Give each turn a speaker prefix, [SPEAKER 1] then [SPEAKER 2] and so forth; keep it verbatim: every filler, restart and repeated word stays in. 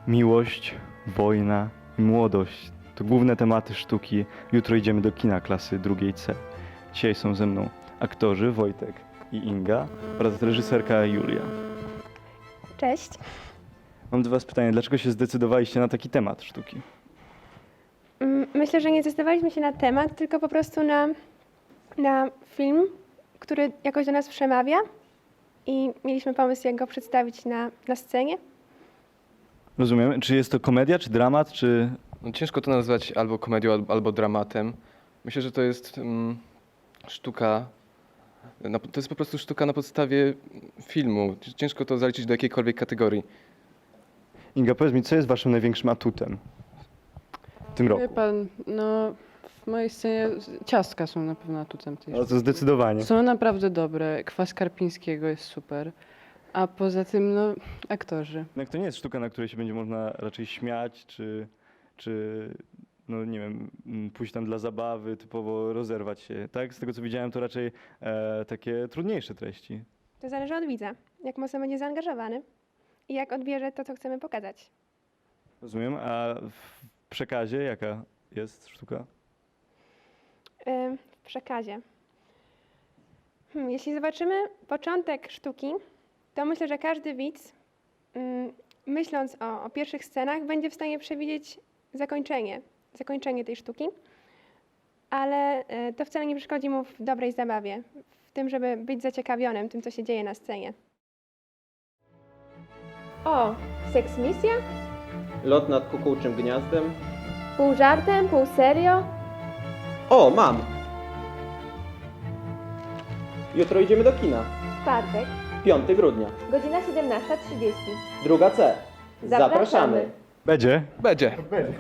[SPEAKER 1] Miłość, wojna i młodość to główne tematy sztuki. Jutro idziemy do kina klasy drugiej C. Dzisiaj są ze mną aktorzy Wojtek i Inga oraz reżyserka Julia.
[SPEAKER 2] Cześć.
[SPEAKER 1] Mam do was pytanie, dlaczego się zdecydowaliście na taki temat sztuki?
[SPEAKER 2] Mm, Myślę, że nie zdecydowaliśmy się na temat, tylko po prostu na, na film, który jakoś do nas przemawia i mieliśmy pomysł, jak go przedstawić na, na scenie.
[SPEAKER 1] Rozumiem. Czy jest to komedia, czy dramat, czy...
[SPEAKER 3] No, ciężko to nazwać albo komedią, albo, albo dramatem. Myślę, że to jest mm, sztuka, na, to jest po prostu sztuka na podstawie filmu. Ciężko to zaliczyć do jakiejkolwiek kategorii.
[SPEAKER 1] Inga, powiedz mi, co jest waszym największym atutem w tym roku?
[SPEAKER 4] Wie pan, no w mojej scenie ciastka są na pewno atutem tej
[SPEAKER 1] No to
[SPEAKER 4] sztuki.
[SPEAKER 1] zdecydowanie.
[SPEAKER 4] Są naprawdę dobre, kwas Karpińskiego jest super, a poza tym no aktorzy.
[SPEAKER 1] Jednak to nie jest sztuka, na której się będzie można raczej śmiać, czy, czy no nie wiem, m, pójść tam dla zabawy, typowo rozerwać się, tak? Z tego co widziałem, to raczej e, takie trudniejsze treści.
[SPEAKER 2] To zależy od widza, jak mocno będzie zaangażowany i jak odbierze to, co chcemy pokazać.
[SPEAKER 1] Rozumiem, a w przekazie jaka jest sztuka?
[SPEAKER 2] Ym, W przekazie. Hmm, jeśli zobaczymy początek sztuki, to myślę, że każdy widz, ym, myśląc o, o pierwszych scenach, będzie w stanie przewidzieć zakończenie, zakończenie tej sztuki, ale y, to wcale nie przeszkodzi mu w dobrej zabawie, w tym, żeby być zaciekawionym tym, co się dzieje na scenie. O, seks misja?
[SPEAKER 5] Lot nad kukułczym gniazdem.
[SPEAKER 2] Pół żartem, pół serio?
[SPEAKER 5] O, mam! Jutro idziemy do kina.
[SPEAKER 2] Czwartek,
[SPEAKER 5] piątego grudnia.
[SPEAKER 2] godzina siedemnasta trzydzieści.
[SPEAKER 5] Druga C.
[SPEAKER 2] Zapraszamy.
[SPEAKER 1] Będzie?
[SPEAKER 3] Będzie.